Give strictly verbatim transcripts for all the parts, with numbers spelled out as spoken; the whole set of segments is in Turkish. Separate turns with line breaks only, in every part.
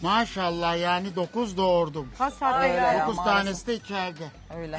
Maşallah yani dokuz doğurdum.
Kaç saatte geldiniz?
Dokuz tanesi de içeride.
Öyle.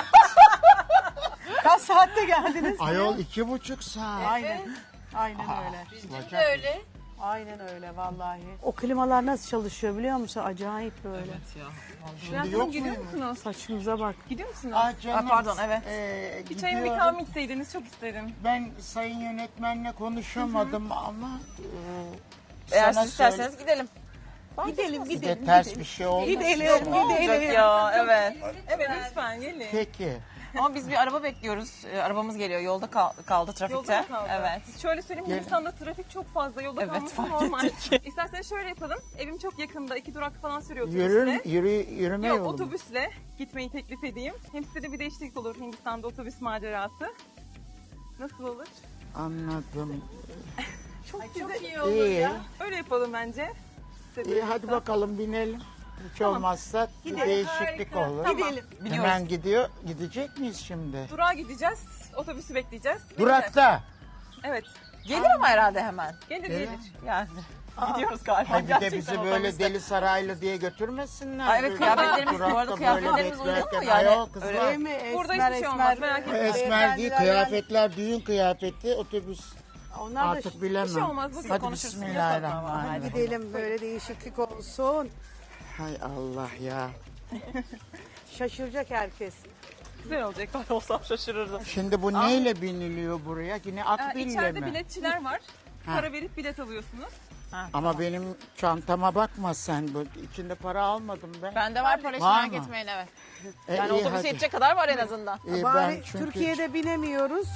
Kaç saatte geldiniz?
Ayol iki buçuk saat.
Aynen. Aynen öyle.
Bizim
de öyle.
Aynen öyle vallahi. O klimalar nasıl çalışıyor biliyor musun? Acayip böyle.
Evet ya.
Şimdi yok
Gidiyor
muyum?
musunuz?
Saçımıza bak.
Gidiyor musunuz?
Ah canım.
Ha, pardon, evet.
Ee,
Bir çayımı bir
gidiyorum.
kahve içseydiniz çok isterim.
Ben sayın yönetmenle konuşamadım ama e,
Eğer
sana
siz isterseniz
söyle-
gidelim.
Gidelim
Bir de
gidelim.
ters bir şey oldu.
Gidelim
Ne olacak
gidelim.
ya? Evet.
Evet lütfen gelin.
Peki.
Ama biz bir araba bekliyoruz. Ee, arabamız geliyor. Yolda kal- kaldı trafikte.
Yolda mı kaldı?
Evet.
Şöyle söyleyeyim,
Gel-
Hindistan'da trafik çok fazla. Yolda
Evet,
kalması
fark
normal.
ettik.
İsterseniz şöyle yapalım. Evim çok yakında. iki durak falan sürüyor otobüsle.
Yürür, yürü, yürüme
Yok
yolu.
otobüsle gitmeyi teklif edeyim. Hem size de bir değişiklik olur Hindistan'da otobüs macerası. Nasıl olur?
Anladım.
Çok güzel. iyi
İyi.
Öyle yapalım bence. Size de-
İyi hadi bakalım binelim. Hiç olmazsa bir değişiklik
Harika.
olur.
Tamam.
Gidelim.
Hemen gidiyor. Gidecek miyiz şimdi?
Durağa gideceğiz. Otobüsü bekleyeceğiz.
Durakta.
Evet.
Gelir ama herhalde hemen.
Gelir
Evet.
gelir.
Yani. Gidiyoruz galiba.
Ay bir de
Gerçekten
bizi böyle
otobüste.
Deli Saraylı diye götürmesinler.
Ay evet,
Böyle
kıyafetlerimiz-
durakta
bu arada
böyle
kıyafetlerimiz uygun mu
beklerken.
yani?
Ayol kızlar.
Öyle
Değil mi?
Burada
Esmer,
hiçbir şey
esmer.
olmaz, merak etmeyin.
Esmer değil,
Beyefendiler
kıyafetler düğün kıyafeti, otobüs
Onlar da
artık bilemem.
Bir şey olmaz, bugün
Hadi
konuşuruz.
bismillahirrahmanirrahim.
gidelim böyle değişiklik olsun.
Hay Allah ya.
Şaşıracak herkes.
Güzel olacak.
Ben olsam şaşırırdım.
Şimdi bu neyle biniliyor buraya? Yine
Ee,
akbille
içeride
mi?
biletçiler var.
Ha.
Para verip bilet alıyorsunuz.
Ama benim çantama bakma sen. Bu içinde para almadım ben.
Bende var para hiç
Var
merak
mı?
etmeyin evet.
E,
Yani
iyi,
otobüse
hadi.
yetecek kadar var en azından.
İyi,
Bari
ben çünkü
Türkiye'de binemiyoruz.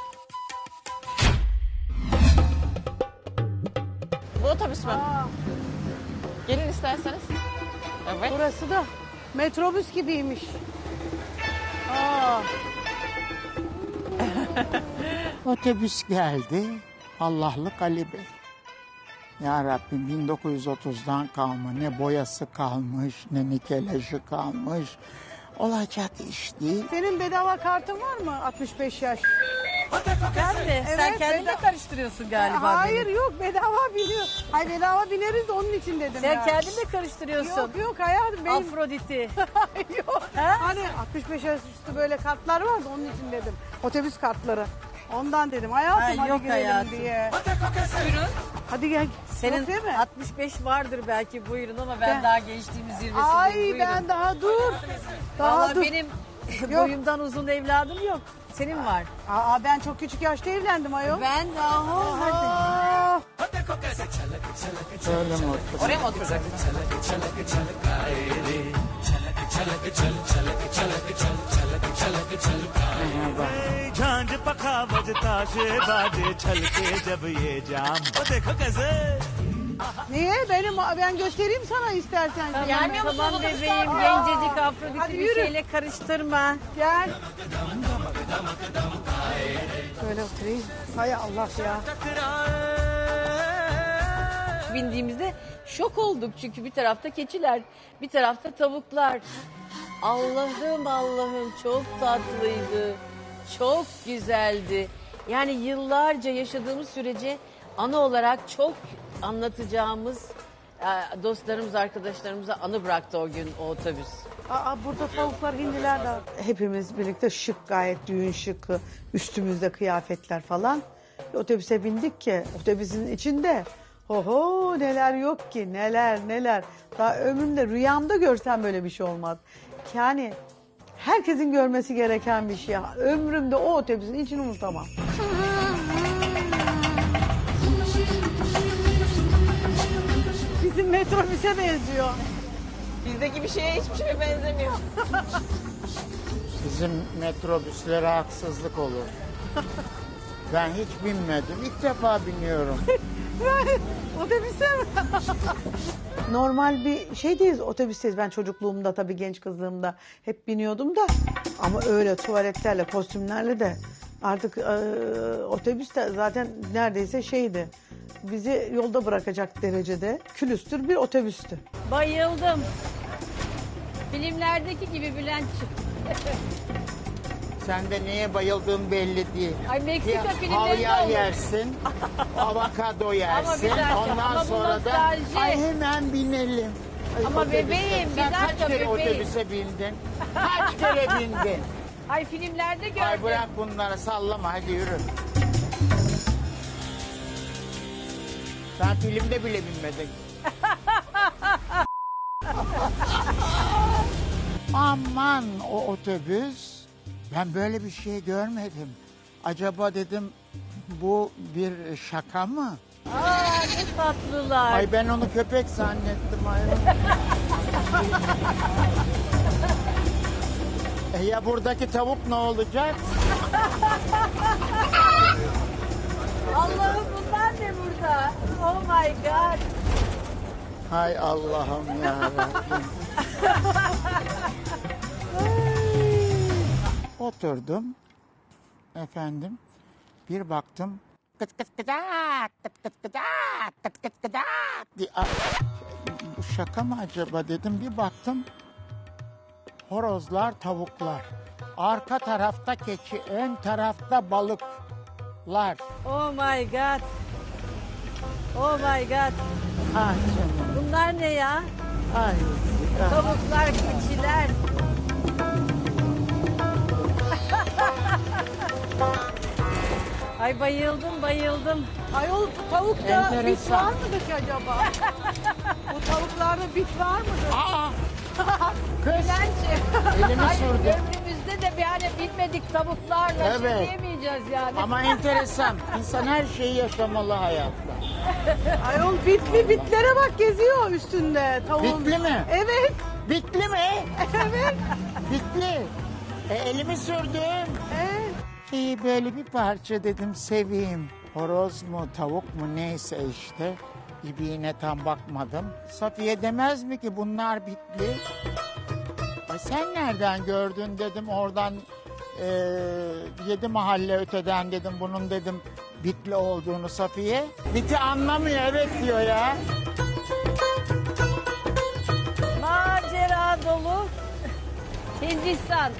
Bu otobüs mü? Gelin isterseniz. Evet.
Burası da metrobüs gibiymiş. Aa,
otobüs geldi. Allah'lık Ali Bey. Ya Rabbim bin dokuz yüz otuzdan kalma ne boyası kalmış ne nikelajı kalmış. Olacak iş değil.
senin bedava kartın var mı? altmış beş yaş.
Ben mi? Sen
Evet,
kendin de
bedava-
karıştırıyorsun galiba
Hayır
beni.
yok bedava biniyor. Hayır bedava bineriz de onun için dedim
Sen
yani.
kendin de karıştırıyorsun.
Yok yok hayatım benim.
Afrodit'i.
Yok.
Ha?
Hani altmış beş yaş üstü böyle kartlar vardı onun için dedim. Otobüs kartları. Ondan dedim hayatım
Ha,
hadi
yok
girelim
hayatım.
diye.
Buyurun.
Hadi gel.
Senin
Yok değil mi?
altmış beş vardır belki buyurun ama ben,
Ben-
daha gençliğimin zirvesindeyim
Ay
buyurun.
ben daha dur. Daha
Vallahi
dur.
benim boyumdan uzun evladım yok. Senin var.
Aa ben çok küçük yaşta evlendim ayol.
Ben daha
Aa,
Öyle mi otur?
Oraya mı oturacaksın?
झांझ पखा बजता से बाजे छलके जब ये जाम वो देखो कैसे
niye? Benim ben göstereyim sana istersen.
Tamam,
Gelmiyor musun
tamam
otobüsten?
bebeğim
Aa,
gencecik
hadi
Afrodit'i bir
yürü.
şeyle karıştırma.
Gel. Böyle oturayım. Hay Allah ya.
Bindiğimizde şok olduk çünkü bir tarafta keçiler, bir tarafta tavuklar. Allah'ım Allah'ım çok tatlıydı, çok güzeldi. Yani yıllarca yaşadığımız sürece anı olarak çok anlatacağımız e, dostlarımız, arkadaşlarımıza anı bıraktı o gün o otobüs.
Aa, burada tavuklar, hindiler de. Hepimiz birlikte şık, gayet düğün şıkı, üstümüzde kıyafetler falan. Otobüse bindik ki otobüsün içinde oho neler yok ki, neler neler. Daha ömrümde rüyamda görsem böyle bir şey olmaz. Yani herkesin görmesi gereken bir şey. Ömrümde o otobüsün içini unutamam. Bizim metrobüse benziyor.
Bizdeki bir şeye hiçbir şeye benzemiyor.
Bizim metrobüslere haksızlık olur. Ben hiç binmedim. İlk defa biniyorum.
Otobüse mi? Normal bir şeydeyiz, otobüsteyiz. Ben çocukluğumda tabii genç kızlığımda hep biniyordum da. Ama öyle tuvaletlerle, kostümlerle de artık e, otobüs de zaten neredeyse şeydi. Bizi yolda bırakacak derecede külüstür bir otobüstü.
Bayıldım. Filmlerdeki gibi Bülent'ciğim.
Sen de neye bayıldığın belli değil.
Ay Meksika
Ya,
filmlerinde
havyar
olur.
yersin, avokado yersin.
dakika,
Ondan
ama bu
sonra da
nostalji.
ay hemen binelim.
Ama
otobüse.
bebeğim, bir
Sen kaç
dakika
kere
bebeğim.
otobüse bindin? Kaç kere bindin?
Ay filmlerde gördüm.
Ay bırak bunları sallama hadi yürü. Sen filmde bile binmedin. Aman o otobüs. Ben böyle bir şey görmedim. Acaba dedim bu bir şaka mı?
Aa ne tatlılar.
Ay ben onu köpek zannettim ay. E ya buradaki tavuk ne olacak?
Allah'ım bunlar ne burada? Oh my god.
Hay Allah'ım ya Rabbim. Oturdum. Efendim. Bir baktım. Kıt kıt kıdak, kıt kıt kıdak, kıt kıt kıdak diye. Ay, bu şaka mı acaba dedim. Bir baktım. Horozlar, tavuklar. Arka tarafta keçi, ön tarafta balıklar.
Oh my god. Oh my god.
Ah canım.
Bunlar ne ya?
Ay. ah.
Tavuklar, keçiler. Ay bayıldım bayıldım.
Ayol bu tavukta bit
Enteresan.
var mıdır ki acaba? Bu tavuklarda bit var mıdır?
Aa! Kız.
Bence.
Elimi
Hayır,
sürdüm.
ömrümüzde de bir hani bilmedik tavuklarla
Evet.
şey diyemeyeceğiz yani.
Ama enteresan. İnsan her şeyi yaşamalı hayatta.
Ayol bitli bitlere bak geziyor üstünde tavuğun.
Bitli mi?
Evet.
Bitli mi?
Evet.
Bitli. E, elimi sürdüm.
Evet.
İyi böyle bir parça dedim seveyim. Horoz mu tavuk mu neyse işte. İbiğine tam bakmadım. Safiye demez mi ki bunlar bitli? Ay sen nereden gördün dedim oradan e, yedi mahalle öteden dedim bunun dedim bitli olduğunu Safiye. Biti anlamıyor evet diyor ya.
Macera dolu Hindistan.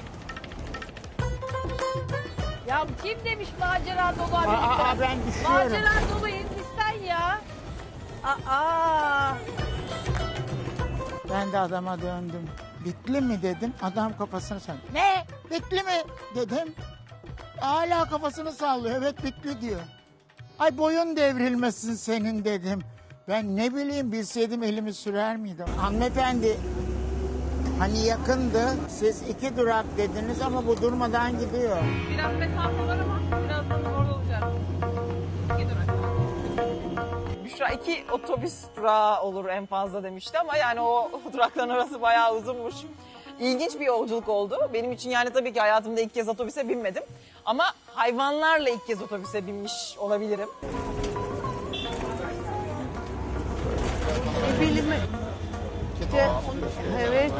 Ya kim demiş macera dolu
Aa,
Amerika?
aa, ben düşüyorum.
Macera dolu Hindistan ya. Aa.
Ben de adama döndüm. Bitli mi dedim. Adam kafasını sallıyor. Ne? Bitli mi dedim. Hala kafasını sallıyor. Evet bitli diyor. Ay boyun devrilmesin senin dedim. Ben ne bileyim bilseydim elimi sürer miydim? Hanımefendi hani yakındı. Siz iki durak dediniz ama bu durmadan gidiyor.
Biraz mesafe var ama birazdan orada olacağız. İki durak. Büşra iki otobüs durağı olur en fazla demişti ama yani o durakların arası bayağı uzunmuş. İlginç bir yolculuk oldu. Benim için yani tabii ki hayatımda ilk kez otobüse binmedim. Ama hayvanlarla ilk kez otobüse binmiş olabilirim.
E, bilimi. İşte, evet.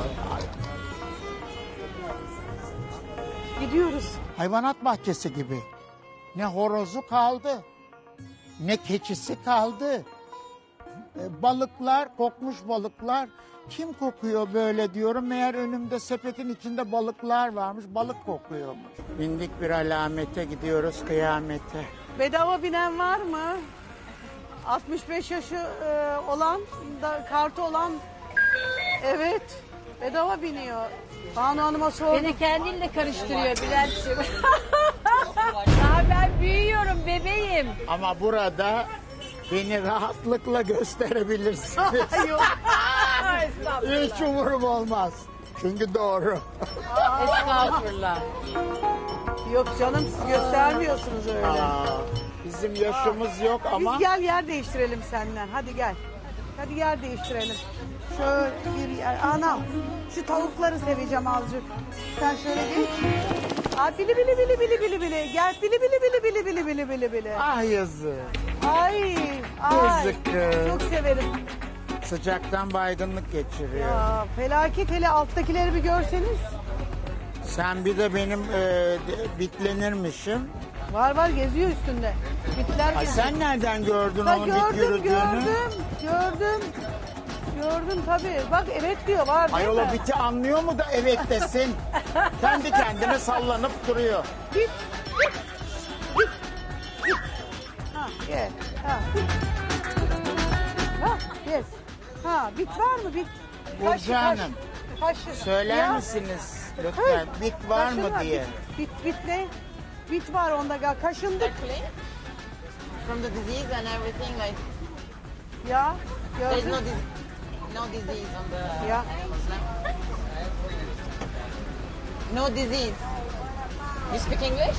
Gidiyoruz.
Hayvanat bahçesi gibi. Ne horozu kaldı, ne keçisi kaldı. E, balıklar, kokmuş balıklar. Kim kokuyor böyle diyorum. Meğer önümde sepetin içinde balıklar varmış. Balık kokuyormuş. Bindik bir alamete gidiyoruz kıyamete.
Bedava binen var mı? altmış beş yaşı e, olan, da, kartı olan. Evet. Bedava biniyor. Banu Hanım'a sordum.
Beni kendinle karıştırıyor Bülent'ciğim. Daha ben büyüyorum bebeğim.
Ama burada beni rahatlıkla gösterebilirsiniz.
Yok.
Hiç umurum olmaz. Çünkü doğru.
Estağfurullah.
Yok canım siz göstermiyorsunuz öyle.
Aa, bizim yaşımız yok ama...
Biz gel yer değiştirelim senden. Hadi gel. Hadi yer değiştirelim. Şöyle bir yer. Anam şu tavukları seveceğim azıcık. Sen şöyle geç. Aa, bili bili bili bili bili bili. Gel bili bili bili bili bili bili bili bili.
Ah yazık.
Ay ay.
Yazık kız.
Çok severim.
Sıcaktan baygınlık geçiriyor.
Ya, felaket hele alttakileri bir görseniz.
Sen bir de benim e, de- bitlenirmişim.
Var var geziyor üstünde. Bitler
Ay
gene.
sen nereden gördün
Ha,
onun bit
gördüm
yürüdüğünü?
gördüm gördüm. Gördüm tabii. Bak evet diyor var değil
Ayol
mi?
o biti anlıyor mu da evet desin. Kendi kendine sallanıp duruyor.
Bit. Bit. Bit. Bit. Ha gel. Ha. Ha yes. Ha bit var mı bit?
Burcu Hanım,
Kaşı.
söyler
Ya,
misiniz lütfen bit var mı
kaşınma.
diye?
Bit, bit, bit ne? Bit var onda. Gal- Kaşındık.
From the disease and everything, like
Ya.
there's
Gördün.
no, dis- no disease on the
Ya.
animals, no? No disease. You speak English?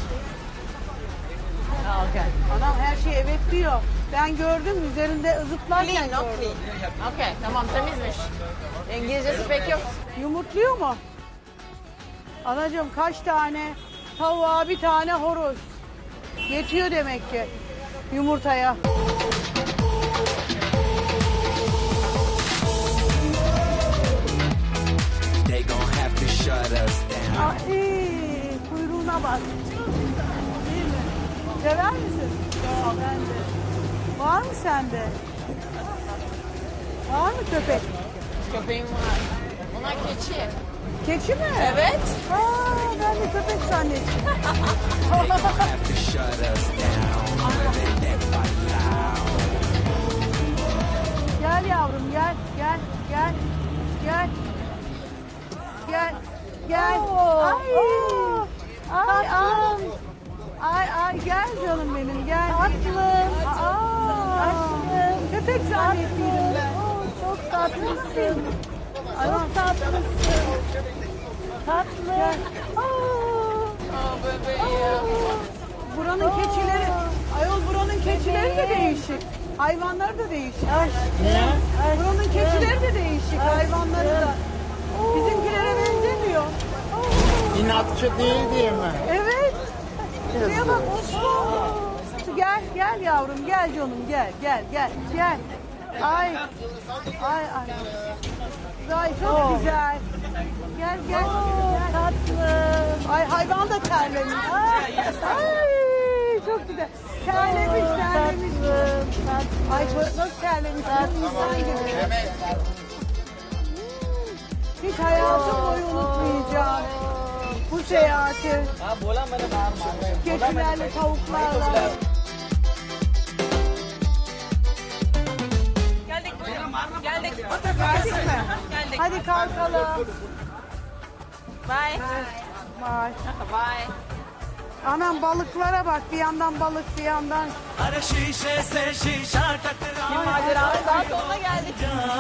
Oh, okay.
Anam her şey evet diyor. Ben gördüm üzerinde zıplarken
Clean, no
gördüm.
clean. Okay, tamam temizmiş. İngilizcesi pek yok.
Yumurtluyor mu? Anacığım kaç tane tavuğa bir tane horoz. Yetiyor demek ki yumurtaya.
They gon' have to shut us down.
Ay, kuyruğuna bak. Değil mi? Sever misin? Ya ben de. Var mı sende? Var mı köpek?
Köpeğim var. Bunlar keçi.
Keçi mi?
Evet.
Aa, ben de köpek zannettim.
They gon' have to shut us down. Living it by loud.
Gel yavrum gel gel gel gel gel gel ay ay ay ay ay gel canım benim gel tatlım tatlım köpek zannettiydim ben çok tatlısın çok tatlısın tatlı
Oh bebeğim.
buranın keçileri ayol buranın keçileri de değişik hayvanları da değişik.
Ne?
Buranın keçileri de değişik, hayvanları da. Bizimkilere benzemiyor.
İnatçı değil diye mi?
Evet. Şuraya bak Osman. Gel, gel yavrum, gel canım, gel, gel, gel, gel. Ay, ay, ay. Ay çok güzel. Gel, gel, gel. Tatlı. Ay hayvan da terlemiş. Ay, çok güzel. Terlemiş, terlemiş. Ay çok- nasıl terlemiş? İnsan gibi. Hiç hayatım boyu unutmayacağım bu seyahati. Keçilerle, tavuklarla.
Geldik. Geldik.
Geldik mi?
Geldik.
Hadi kalkalım.
Bye.
Vay.
Bye.
Anam balıklara bak. Bir yandan balık, bir yandan.
अरे शीशे से शीशा टकरा
Bir maceranın daha sonuna geldik.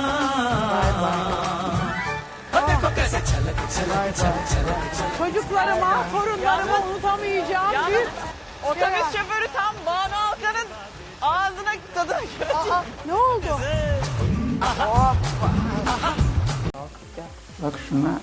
देखो कैसे छलक छलक छलक छलक छलक
Çocuklarıma, torunlarıma unutamayacağım
Yalnız
bir
otobüs
şey.
şoförü tam Banu Alkan'ın ağzına tadını götürdü.
Aa, ne oldu?
Bak şuna.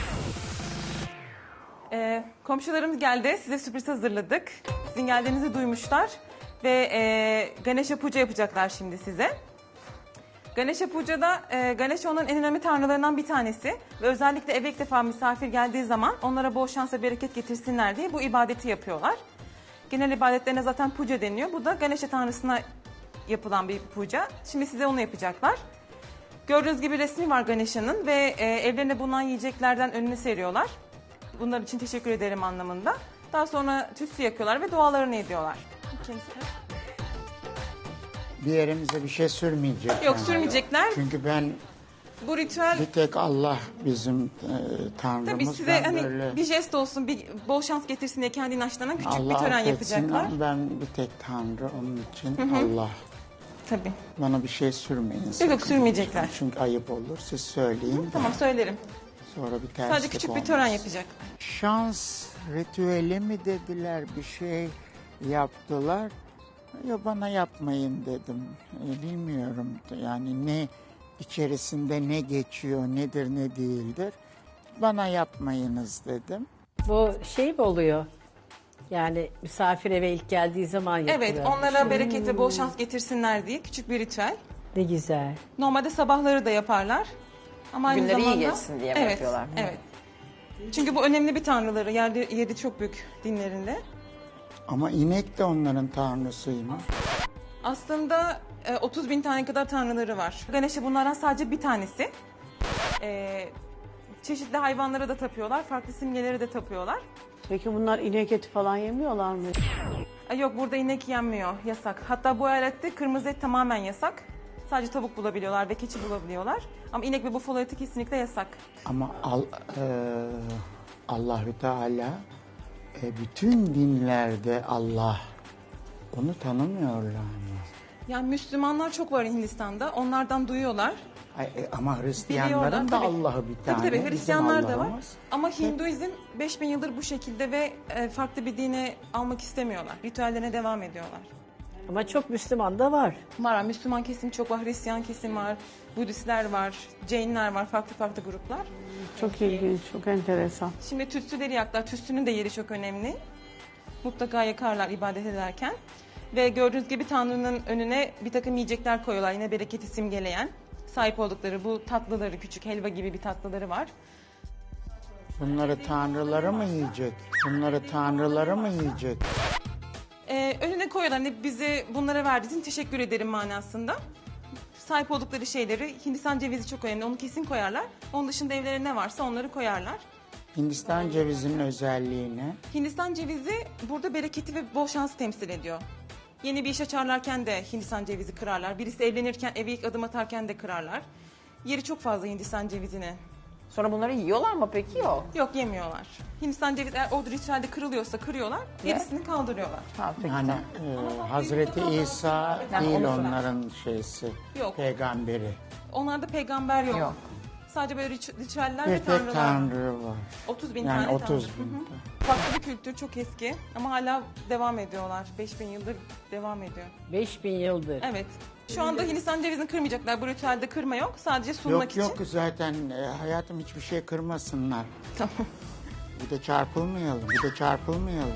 Ee, komşularımız geldi. Size sürpriz hazırladık. Sizin geldiğinizi duymuşlar. Ve e, Ganesha Puja yapacaklar şimdi size. Ganesha Puja'da e, Ganesha onların en önemli tanrılarından bir tanesi. Ve özellikle eve ilk defa misafir geldiği zaman onlara bol şans ve bereket getirsinler diye bu ibadeti yapıyorlar. Genel ibadetlerine zaten puja deniyor. Bu da Ganesha tanrısına yapılan bir puja. Şimdi size onu yapacaklar. Gördüğünüz gibi resmi var Ganesha'nın ve e, evlerinde bulunan yiyeceklerden önüne seriyorlar. Bunlar için teşekkür ederim anlamında. Daha sonra tütsü yakıyorlar ve dualarını ediyorlar.
Bir yerimize bir şey sürmeyecek.
Yok
yani.
sürmeyecekler.
Çünkü ben
Bu ritüel
bir tek Allah bizim e, Tanrımız.
tabii size
Ben
hani
böyle-
bir jest olsun, bir bol şans getirsin diye kendi inançlarından küçük
Allah
bir tören
affetsin
yapacaklar.
ama ben bir tek Tanrı onun için Allah.
Tabii.
Bana bir şey sürmeyin.
Yok
sakın.
yok sürmeyecekler.
Çünkü ayıp olur. Siz söyleyin.
Tamam söylerim.
Sonra bir terslik
Sadece küçük bir
olmaz.
tören yapacak.
Şans ritüeli mi dediler, bir şey yaptılar. Ya bana yapmayın dedim. E, bilmiyorum yani ne içerisinde ne geçiyor, nedir ne değildir. Bana yapmayınız dedim.
Bu şey mi oluyor? Yani misafir eve ilk geldiği zaman yapılıyor.
Evet, onlara bereket ve bol şans getirsinler diye küçük bir ritüel.
Ne güzel.
Normalde sabahları da yaparlar. Ama aynı
Günleri iyi
zamanda...
geçsin diye mi
evet,
yapıyorlar?
Evet. Çünkü bu önemli bir tanrıları. Yeri, yeri çok büyük dinlerinde.
Ama inek de onların tanrısıymış.
Aslında e, otuz bin tane kadar tanrıları var. Ganesha bunlardan sadece bir tanesi. E, çeşitli hayvanlara da tapıyorlar. Farklı simgeleri de tapıyorlar.
Peki bunlar inek eti falan yemiyorlar mı?
E, yok burada inek yenmiyor. Yasak. Hatta bu eyalette kırmızı et tamamen yasak. Sadece tavuk bulabiliyorlar ve keçi bulabiliyorlar. Ama inek ve bufalo eti kesinlikle yasak.
Ama al, e, Allahü Teala e, bütün dinlerde Allah onu tanımıyorlar mı?
Yani Müslümanlar çok var Hindistan'da. Onlardan duyuyorlar.
Ay, e, ama Hristiyanların
Biliyorlar,
da
tabii.
Allah'ı bir tane.
Tabii tabii
bizim
Hristiyanlar da var.
Allah'ımız.
Ama Hinduizm beş bin yıldır bu şekilde ve e, farklı bir dine almak istemiyorlar. Ritüellerine devam ediyorlar.
Ama çok Müslüman da var.
Var, Müslüman kesim çok var, Hristiyan kesim var, Budistler var, Jainler var, farklı farklı gruplar.
Çok ilginç, çok enteresan.
Şimdi tütsüleri yaklar. Tütsünün de yeri çok önemli. Mutlaka yakarlar ibadet ederken. Ve gördüğünüz gibi Tanrı'nın önüne bir takım yiyecekler koyuyorlar. Yine bereketi simgeleyen. Sahip oldukları bu tatlıları, küçük helva gibi bir tatlıları var.
Bunları tanrıları mı yiyecek? Bunları tanrıları mı yiyecek?
Ee, önüne koyuyorlar. Hani bize bunlara verdiğin için teşekkür ederim manasında. Sahip oldukları şeyleri, Hindistan cevizi çok önemli. Onu kesin koyarlar. Onun dışında evlerinde ne varsa onları koyarlar.
Hindistan cevizinin özelliği ne?
Hindistan cevizi burada bereketi ve bol şansı temsil ediyor. Yeni bir iş açarlarken de Hindistan cevizi kırarlar. Birisi evlenirken, eve ilk adım atarken de kırarlar. Yeri çok fazla Hindistan cevizinin.
Sonra bunları yiyorlar mı peki? Yok.
Yok, yemiyorlar. Hindistan cevizi eğer o ritüelde kırılıyorsa kırıyorlar, gerisini kaldırıyorlar.
Ha, peki.
Hani e, Hazreti İsa
Yani
değil
onu sorar.
onların şeysi,
Yok.
peygamberi.
Onlarda peygamber yok.
Yok.
Sadece böyle rit- ritüeller ve
Bir tek
tanrılar.
tanrı var.
otuz bin
Yani
tane
otuz
tanrı.
bin.
Hı hı. Farklı bir kültür, çok eski ama hala devam ediyorlar. beş bin yıldır devam ediyor.
beş bin yıldır.
Evet. Şu anda Hindistan cevizini kırmayacaklar. Bu ritüelde kırma yok. Sadece sunmak
Yok
için.
yok zaten e, hayatım hiçbir şey kırmasınlar.
Tamam.
Bir de çarpılmayalım, bir de çarpılmayalım.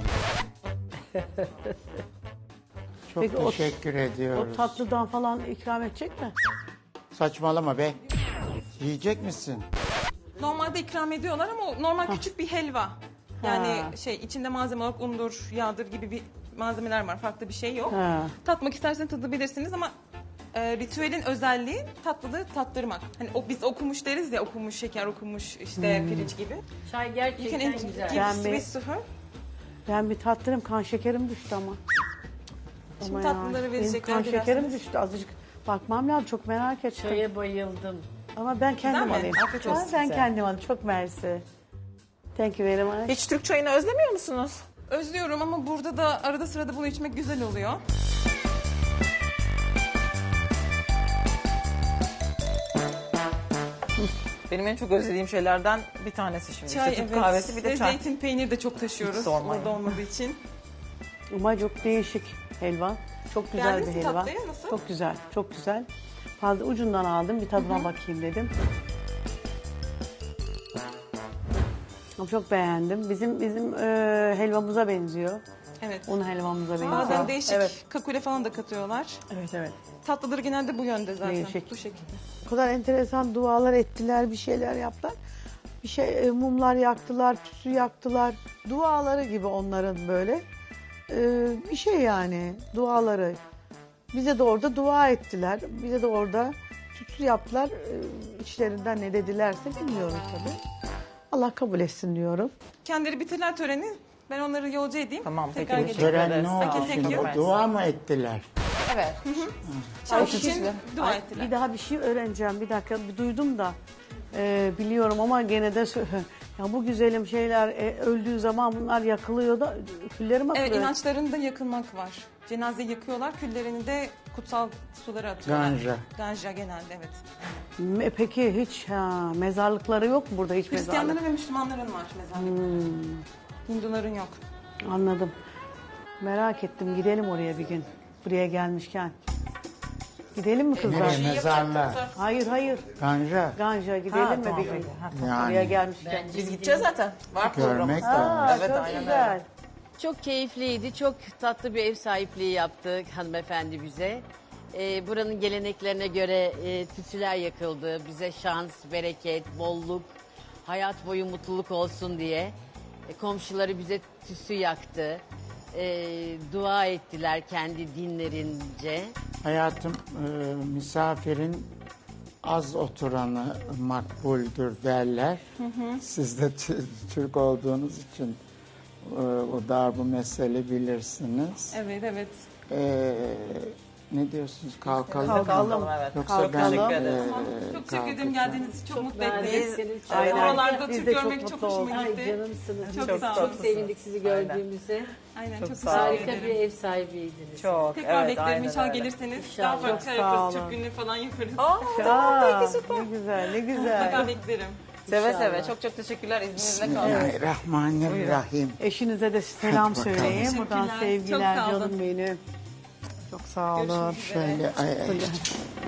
Çok
Peki o-
teşekkür
O
ediyoruz.
tatlıdan falan ikram edecek mi?
Saçmalama be. Yiyecek misin?
Normalde ikram ediyorlar ama o normal küçük bir helva. Yani
Ha.
şey içinde malzeme olarak undur, yağdır gibi bir malzemeler var. Farklı bir şey yok.
Ha.
Tatmak isterseniz tadabilirsiniz ama e, ritüelin özelliği tatlılığı tattırmak. Hani o, biz okumuş deriz ya, okumuş şeker, okumuş işte pirinç gibi.
Çay
You can
gerçekten
in-
güzel.
give
Ben bir-
sweet to her.
Ben bir tattırım, kan şekerim düştü ama.
Şimdi
Ama
tatlıları
ya,
verecekler
benim kan
birazdan.
şekerim düştü azıcık. Bakmam lazım, çok merak ettim.
Çaya bayıldım.
Ama ben kendim
mi?
alayım.
Afiyet
Ha,
olsun
ben
size.
kendim alayım, çok mersi. Thank you very much.
Hiç Türk çayını özlemiyor musunuz?
Özlüyorum ama burada da arada sırada bunu içmek güzel oluyor.
Benim en çok özlediğim şeylerden bir tanesi şimdi.
Çay,
işte Türk
evet.
kahvesi bir de
Ve
çay.
zeytin peynir de çok taşıyoruz
Hiç sormayın.
orada olmadığı için.
Ama çok değişik helva. Çok güzel
Beğendiniz
bir
mi
helva.
tatlıyı? Nasıl?
Çok güzel, çok güzel. Fazla ucundan aldım, bir tadına bakayım dedim. Ama çok beğendim. Bizim bizim e, helvamıza benziyor.
Evet.
Un helvamıza benziyor.
Bazen değişik
Evet,
kakule falan da katıyorlar.
evet, evet.
Tatlıları genelde bu yönde zaten.
Değişik.
Bu şekilde.
O kadar enteresan dualar ettiler, bir şeyler yaptılar. Bir şey e, mumlar yaktılar, tütsü yaktılar. Duaları gibi onların böyle. E, bir şey yani duaları. Bize de orada dua ettiler. Bize de orada tütsü yaptılar. E, içlerinden ne dedilerse bilmiyorum tabii. Allah kabul etsin diyorum.
Kendileri bitirler töreni. Ben onları yolcu edeyim.
Tamam, peki.
Tekrar
Bu
geleceğim.
Tören ne
ederiz.
oldu
Peki,
şimdi?
peki.
O dua mı ettiler?
Evet.
Çay
Ay,
için
güzel.
dua
Ay,
ettiler.
bir daha bir şey öğreneceğim. Bir dakika bir duydum da e, biliyorum ama gene de sö- ya bu güzelim şeyler e, öldüğü zaman bunlar yakılıyor da külleri mi
Evet,
atılıyor?
inançlarında yakılmak var. Cenazeyi yakıyorlar, küllerini de kutsal sulara atıyorlar.
Ganja.
Ganja genelde, evet.
Me- Peki hiç ha, mezarlıkları yok mu burada hiç mezarlık?
Hristiyanların ve Müslümanların var mezarlık. Hinduların yok.
Anladım. Merak ettim gidelim oraya bir gün. Buraya gelmişken. Gidelim mi kızlar?
Nereye mezarlığa?
Hayır hayır.
Ganja.
Ganja gidelim
Ha,
mi
tamam,
bir gün?
peki. Ha,
Buraya
Yani
gelmişken.
Biz gideceğiz zaten. Var programımız.
görmek
da.
lazım.
Aa,
Evet,
çok
aynen
güzel.
öyle.
Çok keyifliydi. Çok tatlı bir ev sahipliği yaptı hanımefendi bize. Ee, buranın geleneklerine göre e, tütsüler yakıldı. Bize şans, bereket, bolluk, hayat boyu mutluluk olsun diye. E, komşuları bize tütsü yaktı. E, dua ettiler kendi dinlerince.
Hayatım e, misafirin az oturanı makbuldür derler. Siz de tü- Türk olduğunuz için e, o darbu mesele bilirsiniz.
Evet, evet.
E, Ne diyorsunuz? Kalkalım.
Kalkalım.
Kalkalım, evet.
Yoksa ben
Kalkalım.
e,
Çok teşekkür ederim geldiğiniz için. Çok mutlu
Ben
ettiniz.
de seni çok
Aynen.
Oralarda
Biz
Türk
de çok
görmek çok
mutlu
hoşuma
Ay
gitti.
canımsınız.
Çok
Çok,
sağ
çok
olun.
sevindik sizi gördüğümüze.
Aynen
Çok
çok,
sağ olun.
teşekkür
Harika
ederim.
bir ev sahibiydiniz.
Çok,
Tekrar
evet,
beklerim
aynen
inşallah
öyle.
gelirseniz.
İnşallah.
Daha farklı
Çok
şeyler
sağ
yaparız.
olun.
Türk günlüğü falan yaparız.
Aa,
Ya, ne güzel, ne güzel.
Mutlaka beklerim.
seve
İnşallah.
seve. Çok çok teşekkürler. İzninizle kalın.
Bismillahirrahmanirrahim.
Eşinize de selam
Hadi bakalım.
söyleyin. Buradan
Teşekkürler,
sevgiler
çok sağ olun.
canım benim. Çok sağ olun.
Görüşmek üzere.
Şöyle ay, ay.